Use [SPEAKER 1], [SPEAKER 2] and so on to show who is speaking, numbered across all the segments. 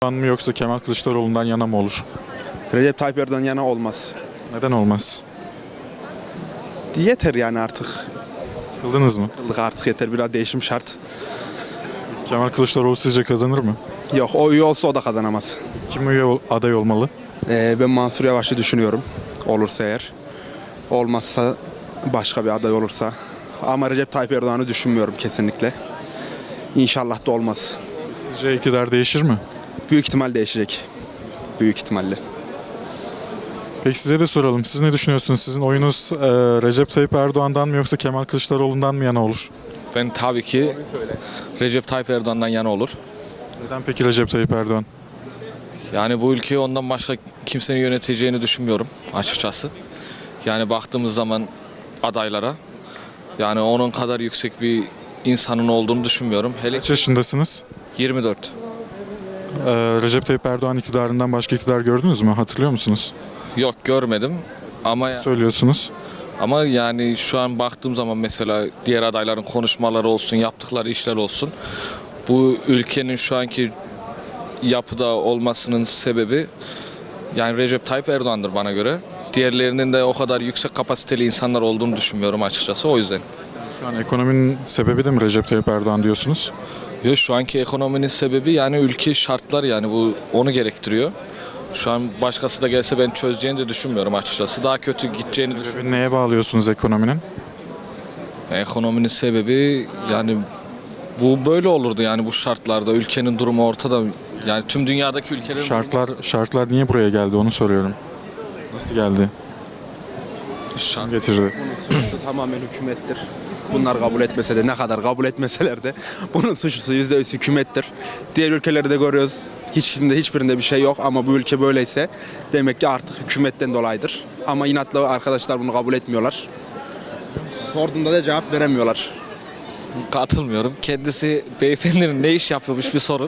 [SPEAKER 1] Erdoğan mı yoksa Kemal Kılıçdaroğlu'ndan yana mı olur?
[SPEAKER 2] Recep Tayyip Erdoğan yana olmaz.
[SPEAKER 1] Neden olmaz?
[SPEAKER 2] Yeter yani artık.
[SPEAKER 1] Sıkıldınız mı?
[SPEAKER 2] Yıllık artık yeter. Biraz değişim şart.
[SPEAKER 1] Kemal Kılıçdaroğlu sizce kazanır mı?
[SPEAKER 2] Yok, o üye olsa o da kazanamaz.
[SPEAKER 1] Kim aday olmalı?
[SPEAKER 2] Ben Mansur Yavaş'ı düşünüyorum. Olursa eğer. Olmazsa başka bir aday olursa. Ama Recep Tayyip Erdoğan'ı düşünmüyorum kesinlikle. İnşallah da olmaz.
[SPEAKER 1] Sizce iktidar değişir mi?
[SPEAKER 2] Büyük ihtimal değişecek. Büyük ihtimalle.
[SPEAKER 1] Peki size de soralım. Siz ne düşünüyorsunuz? Sizin oyunuz Recep Tayyip Erdoğan'dan mı yoksa Kemal Kılıçdaroğlu'ndan mı yana olur?
[SPEAKER 3] Ben tabii ki Recep Tayyip Erdoğan'dan yana olur.
[SPEAKER 1] Neden peki Recep Tayyip Erdoğan?
[SPEAKER 3] Yani bu ülkeyi ondan başka kimsenin yöneteceğini düşünmüyorum açıkçası. Yani baktığımız zaman adaylara, yani onun kadar yüksek bir insanın olduğunu düşünmüyorum. Hele
[SPEAKER 1] Kaç yaşındasınız?
[SPEAKER 3] 24.
[SPEAKER 1] Recep Tayyip Erdoğan iktidarından başka iktidar gördünüz mü? Hatırlıyor musunuz?
[SPEAKER 3] Yok, görmedim ama
[SPEAKER 1] Söylüyorsunuz.
[SPEAKER 3] yani şu an baktığım zaman mesela diğer adayların konuşmaları olsun, yaptıkları işler olsun. Bu ülkenin şu anki yapıda olmasının sebebi yani Recep Tayyip Erdoğan'dır bana göre. Diğerlerinin de o kadar yüksek kapasiteli insanlar olduğunu düşünmüyorum açıkçası, o yüzden.
[SPEAKER 1] Şu an ekonominin sebebi de mi Recep Tayyip Erdoğan diyorsunuz?
[SPEAKER 3] Yok, şu anki ekonominin sebebi yani ülke şartlar, yani bu onu gerektiriyor. Şu an başkası da gelse ben çözeceğini de düşünmüyorum açıkçası. Daha kötü gideceğini düşünüyorum.
[SPEAKER 1] Sebebi neye bağlıyorsunuz ekonominin?
[SPEAKER 3] Ekonominin sebebi yani bu böyle olurdu yani bu şartlarda. Ülkenin durumu ortada. Yani tüm dünyadaki ülkelerin
[SPEAKER 1] Şartlar niye buraya geldi onu soruyorum. Nasıl geldi?
[SPEAKER 3] Şart.
[SPEAKER 1] Getirdi.
[SPEAKER 2] Suçlusu tamamen hükümettir. Bunlar kabul etmese de, ne kadar kabul etmeseler de bunun suçlusu %100 hükümettir. Diğer ülkeleri de görüyoruz. Hiçbirinde bir şey yok ama bu ülke böyleyse demek ki artık hükümetten dolayıdır. Ama inatla arkadaşlar bunu kabul etmiyorlar. Sorduğunda da cevap veremiyorlar.
[SPEAKER 3] Katılmıyorum. Kendisi beyefendinin ne iş yapıyormuş bir sorun.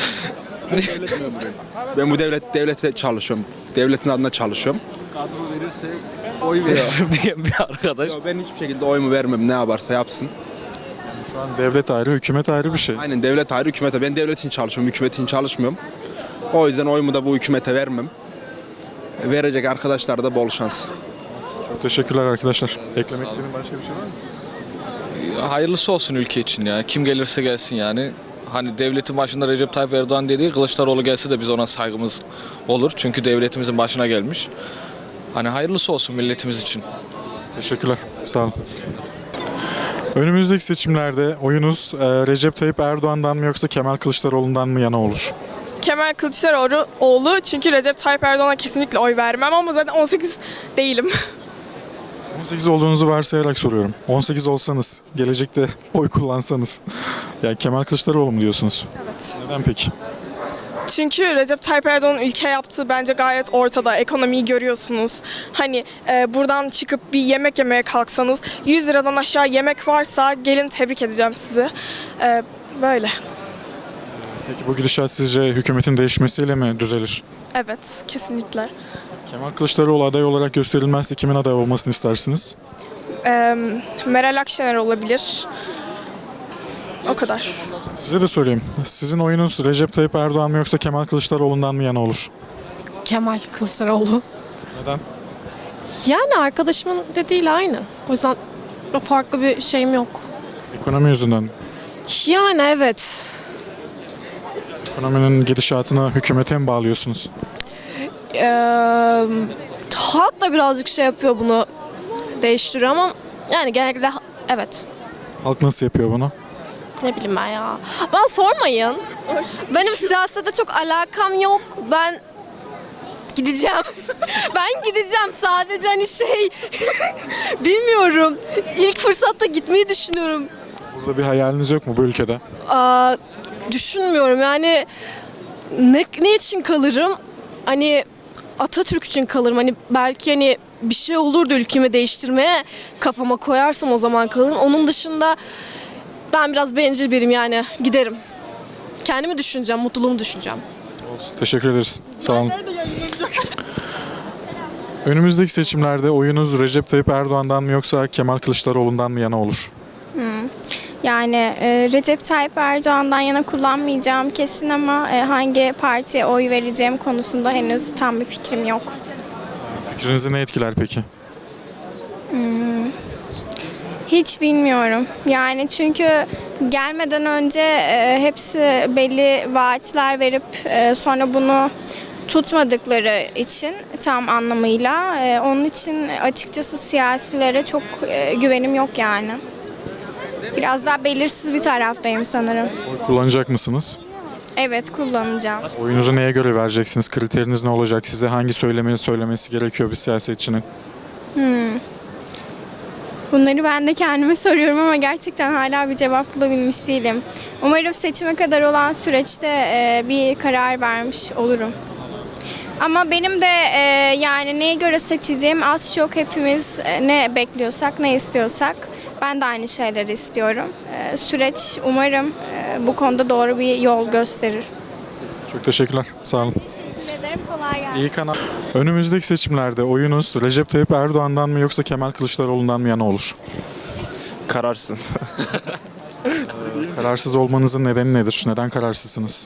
[SPEAKER 2] Ben bu devlete çalışıyorum. Devletin adına çalışıyorum.
[SPEAKER 3] Kadro verirse oy veririm diye bir arkadaş.
[SPEAKER 2] Ben hiçbir şekilde oyumu vermem, ne yaparsa yapsın.
[SPEAKER 1] Şu an devlet ayrı, hükümet ayrı bir şey.
[SPEAKER 2] Aynen, devlet ayrı, hükümete. Ben devlet için çalışıyorum, hükümet için çalışmıyorum. O yüzden oyumu da bu hükümete vermem. Verecek arkadaşlara da bol şans.
[SPEAKER 1] Çok teşekkürler arkadaşlar. Eklemek istediğin başka bir şey var mı?
[SPEAKER 3] Hayırlısı olsun ülke için ya. Kim gelirse gelsin yani. Hani devletin başında Recep Tayyip Erdoğan dediği, Kılıçdaroğlu gelse de biz ona saygımız olur. Çünkü devletimizin başına gelmiş. Hani hayırlısı olsun milletimiz için.
[SPEAKER 1] Teşekkürler. Sağ olun. Önümüzdeki seçimlerde oyunuz Recep Tayyip Erdoğan'dan mı yoksa Kemal Kılıçdaroğlu'ndan mı yana olur?
[SPEAKER 4] Kemal Kılıçdaroğlu, çünkü Recep Tayyip Erdoğan'a kesinlikle oy vermem ama zaten 18 değilim.
[SPEAKER 1] 18 olduğunuzu varsayarak soruyorum. 18 olsanız, gelecekte oy kullansanız, yani Kemal Kılıçdaroğlu mu diyorsunuz?
[SPEAKER 4] Evet.
[SPEAKER 1] Neden peki?
[SPEAKER 4] Çünkü Recep Tayyip Erdoğan'ın ülke yaptığı bence gayet ortada. Ekonomiyi görüyorsunuz. Hani buradan çıkıp bir yemek yemeye kalksanız 100 liradan aşağı yemek varsa gelin, tebrik edeceğim sizi. Böyle.
[SPEAKER 1] Peki bu gidişat sizce hükümetin değişmesiyle mi düzelir?
[SPEAKER 4] Evet, kesinlikle.
[SPEAKER 1] Kemal Kılıçdaroğlu aday olarak gösterilmezse kimin aday olmasını istersiniz?
[SPEAKER 4] Meral Akşener olabilir. O kadar.
[SPEAKER 1] Size de sorayım. Sizin oyunuz Recep Tayyip Erdoğan mı yoksa Kemal Kılıçdaroğlu'ndan mı yana olur?
[SPEAKER 5] Kemal Kılıçdaroğlu.
[SPEAKER 1] Neden?
[SPEAKER 5] Yani arkadaşımın dediğiyle aynı. O yüzden farklı bir şeyim yok.
[SPEAKER 1] Ekonomi yüzünden.
[SPEAKER 5] Yani evet.
[SPEAKER 1] Ekonominin gidişatına hükümete mi bağlıyorsunuz?
[SPEAKER 5] Halk da birazcık şey yapıyor, bunu değiştiriyor ama yani genellikle evet.
[SPEAKER 1] Halk nasıl yapıyor bunu?
[SPEAKER 5] Ne bileyim ben ya. Bana sormayın. Benim siyasete çok alakam yok. Ben gideceğim. Ben gideceğim sadece, hani bilmiyorum. İlk fırsatta gitmeyi düşünüyorum.
[SPEAKER 1] Burada bir hayaliniz yok mu bu ülkede?
[SPEAKER 5] Düşünmüyorum yani, ne için kalırım? Hani Atatürk için kalırım. Hani belki hani bir şey olurdu ülkemi değiştirmeye, kafama koyarsam o zaman kalırım. Onun dışında ben biraz bencil biriyim, yani giderim. Kendimi düşüneceğim, mutluluğumu düşüneceğim.
[SPEAKER 1] Teşekkür ederiz. Sağ olun. Önümüzdeki seçimlerde oyunuz Recep Tayyip Erdoğan'dan mı yoksa Kemal Kılıçdaroğlu'ndan mı yana olur?
[SPEAKER 6] Yani Recep Tayyip Erdoğan'dan yana kullanmayacağım kesin ama hangi partiye oy vereceğim konusunda henüz tam bir fikrim yok.
[SPEAKER 1] Fikrinizi ne etkiler peki?
[SPEAKER 6] Hiç bilmiyorum. Yani çünkü gelmeden önce hepsi belli vaatler verip sonra bunu tutmadıkları için tam anlamıyla onun için açıkçası siyasilere çok güvenim yok yani. Biraz daha belirsiz bir taraftayım sanırım.
[SPEAKER 1] Oy kullanacak mısınız?
[SPEAKER 6] Evet, kullanacağım.
[SPEAKER 1] Oyunuzu neye göre vereceksiniz? Kriteriniz ne olacak? Size hangi söylemesi gerekiyor bir siyasetçinin?
[SPEAKER 6] Bunları ben de kendime soruyorum ama gerçekten hala bir cevap bulabilmiş değilim. Umarım seçime kadar olan süreçte bir karar vermiş olurum. Ama benim de yani neye göre seçeceğim az çok hepimiz ne bekliyorsak, ne istiyorsak ben de aynı şeyleri istiyorum. Süreç umarım bu konuda doğru bir yol gösterir.
[SPEAKER 1] Çok teşekkürler. Sağ olun.
[SPEAKER 6] Teşekkür ederim, kolay gelsin.
[SPEAKER 1] İyi kanal. Önümüzdeki seçimlerde oyunuz Recep Tayyip Erdoğan'dan mı yoksa Kemal Kılıçdaroğlu'ndan mı yana olur?
[SPEAKER 7] Kararsızım.
[SPEAKER 1] Kararsız olmanızın nedeni nedir? Neden kararsızsınız?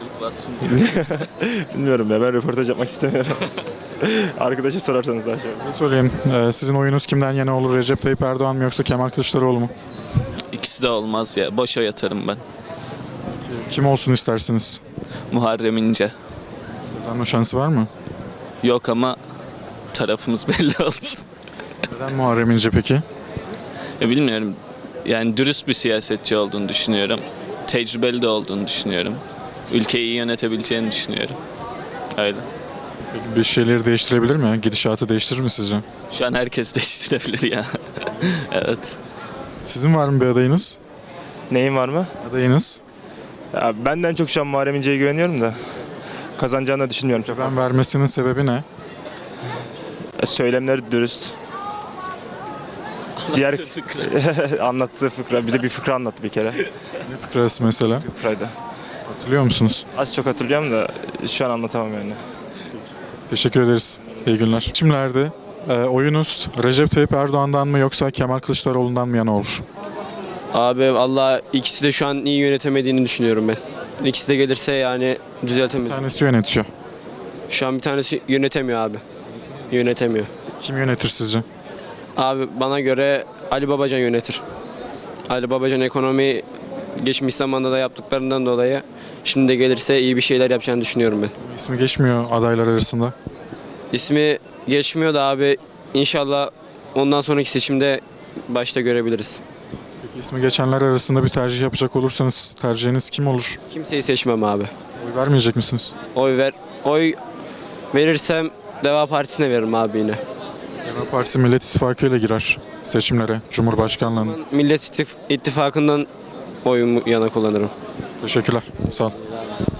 [SPEAKER 7] Bilmiyorum ya, ben röportaj yapmak istemiyorum. Arkadaşa sorarsanız daha şey olur.
[SPEAKER 1] Size sorayım. Sizin oyunuz kimden yana olur? Recep Tayyip Erdoğan mı yoksa Kemal Kılıçdaroğlu mu?
[SPEAKER 8] İkisi de olmaz ya. Boşa yatarım ben.
[SPEAKER 1] Kim olsun istersiniz?
[SPEAKER 8] Muharrem İnce.
[SPEAKER 1] Kazanma şansı var mı?
[SPEAKER 8] Yok ama tarafımız belli olsun.
[SPEAKER 1] Neden Muharrem İnce peki?
[SPEAKER 8] Ya bilmiyorum. Yani dürüst bir siyasetçi olduğunu düşünüyorum. Tecrübeli de olduğunu düşünüyorum. Ülkeyi iyi yönetebileceğini düşünüyorum. Öyle.
[SPEAKER 1] Peki bir şeyleri değiştirebilir mi? Gidişatı değiştirir mi sizce?
[SPEAKER 8] Şu an herkes değiştirebilir ya. Evet.
[SPEAKER 1] Sizin var mı bir adayınız?
[SPEAKER 7] Neyin var mı?
[SPEAKER 1] Adayınız.
[SPEAKER 7] Ya benden çok şu an Muharrem İnce'ye güveniyorum da kazanacağını da düşünmüyorum çok
[SPEAKER 1] Ben
[SPEAKER 7] fazla.
[SPEAKER 1] vermesinin sebebi ne?
[SPEAKER 7] Söylemleri dürüst. Diğer anlattığı fıkra, bize bir fıkra anlattı bir kere.
[SPEAKER 1] Ne fıkrası mesela?
[SPEAKER 7] Fıkraydı.
[SPEAKER 1] Hatırlıyor musunuz?
[SPEAKER 7] Az çok hatırlıyorum da şu an anlatamam yani.
[SPEAKER 1] Teşekkür ederiz. İyi günler. Seçimlerde oyunuz Recep Tayyip Erdoğan'dan mı yoksa Kemal Kılıçdaroğlu'ndan mı yana olur?
[SPEAKER 9] Abi Allah ikisi de şu an iyi yönetemediğini düşünüyorum ben. İkisi de gelirse yani
[SPEAKER 1] Bir
[SPEAKER 9] düzeltemez.
[SPEAKER 1] tanesi yönetiyor.
[SPEAKER 9] Şu an bir tanesi yönetemiyor abi. Yönetemiyor.
[SPEAKER 1] Kim yönetir sizce?
[SPEAKER 9] Abi bana göre Ali Babacan yönetir. Ali Babacan ekonomi geçmiş zamanda da yaptıklarından dolayı şimdi de gelirse iyi bir şeyler yapacağını düşünüyorum ben.
[SPEAKER 1] İsmi geçmiyor adaylar arasında.
[SPEAKER 9] İsmi geçmiyor da abi inşallah ondan sonraki seçimde başta görebiliriz.
[SPEAKER 1] Peki ismi geçenler arasında bir tercih yapacak olursanız tercihiniz kim olur?
[SPEAKER 9] Kimseyi seçmem abi.
[SPEAKER 1] Oy vermeyecek misiniz?
[SPEAKER 9] Oy verirsem Deva Partisi'ne veririm abi yine.
[SPEAKER 1] Deva Partisi Millet İttifakı ile girer seçimlere, Cumhurbaşkanlığına.
[SPEAKER 9] Millet İttifakı'ndan oyumu yana kullanırım.
[SPEAKER 1] Teşekkürler. Sağ olun.